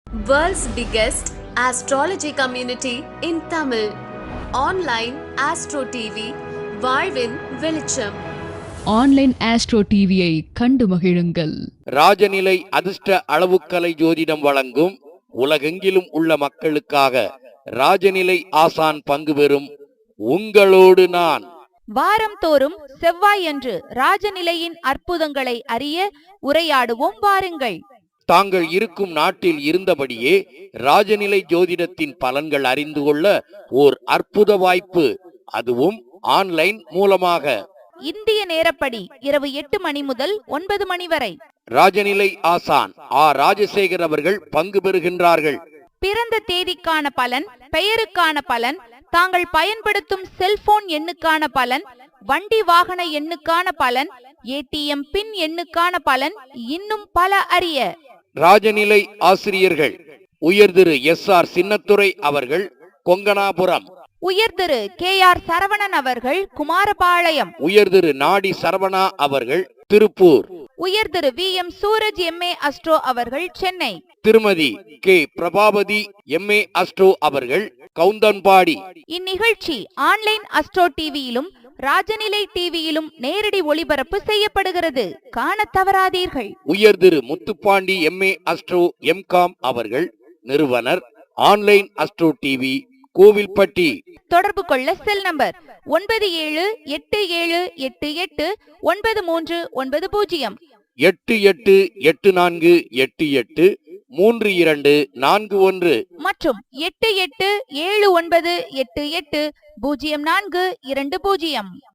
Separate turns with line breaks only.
World's biggest astrology community in Tamil. Online Astro TV, வாழ்வின் வெளிச்சம்.
Online astro டிவியை கண்டு மகிழுங்கள்.
ராஜநிலை அதிர்ஷ்ட அளவுக்கலை ஜோதிடம் வழங்கும் உலகெங்கிலும் உள்ள மக்களுக்காக ராஜநிலை ஆசான் பங்கு பெறும் உங்களோடு நான்.
வாரம் தோறும் செவ்வாயன்று ராஜநிலையின் அற்புதங்களை அறிய உரையாடுவோம் வாருங்கள்.
தாங்கள் இருக்கும் நாட்டில் இருந்தபடியே ராஜநிலை ஜோதிடத்தின் பலன்கள் அறிந்து கொள்ள ஓர் அற்புத வாய்ப்பு, அதுவும் ஆன்லைன் மூலமாக.
இந்திய நேரப்படி இரவு 8 மணி முதல் 9 மணி வரை
ராஜநிலை ஆசான் ராஜசேகர் அவர்கள் பங்கு பெறுகின்றார்கள்.
பிறந்த தேதிக்கான பலன், பெயருக்கான பலன், தாங்கள் பயன்படுத்தும் செல்போன் எண்ணுக்கான பலன், வண்டி வாகன எண்ணுக்கான பலன், ஏடிஎம் பின் எண்ணுக்கான பலன், இன்னும் பல அறிய
ராஜநிலை ஆசிரியர்கள் உயர் திரு SR சின்னத்துரை அவர்கள் கொங்கனாபுரம்,
உயர் திரு KR சரவணன் அவர்கள் குமாரபாளையம்,
உயர் திரு நாடி சரவணா அவர்கள் திருப்பூர்,
உயர் Thiru VM Suraj MA astro அவர்கள் சென்னை,
திருமதி K பிரபாவதி MA அஸ்ட்ரோ அவர்கள் கவுந்தன்பாடி.
இந்நிகழ்ச்சி ஆன்லைன் அஸ்ட்ரோ டிவியிலும் ராஜநிலை டிவியிலும் நேரடி ஒளிபரப்பு செய்யப்படுகிறது. காண தவறாதீர்கள்.
உயர் Thiru Muthupandi MA astro MCOM அவர்கள் நிறுவனர், ஆன்லைன் அஸ்ட்ரோ டிவி, கோவில்பட்டி.
தொடர்பு கொள்ள செல் நம்பர் 9787889390
8884883241
மற்றும் 8879880420.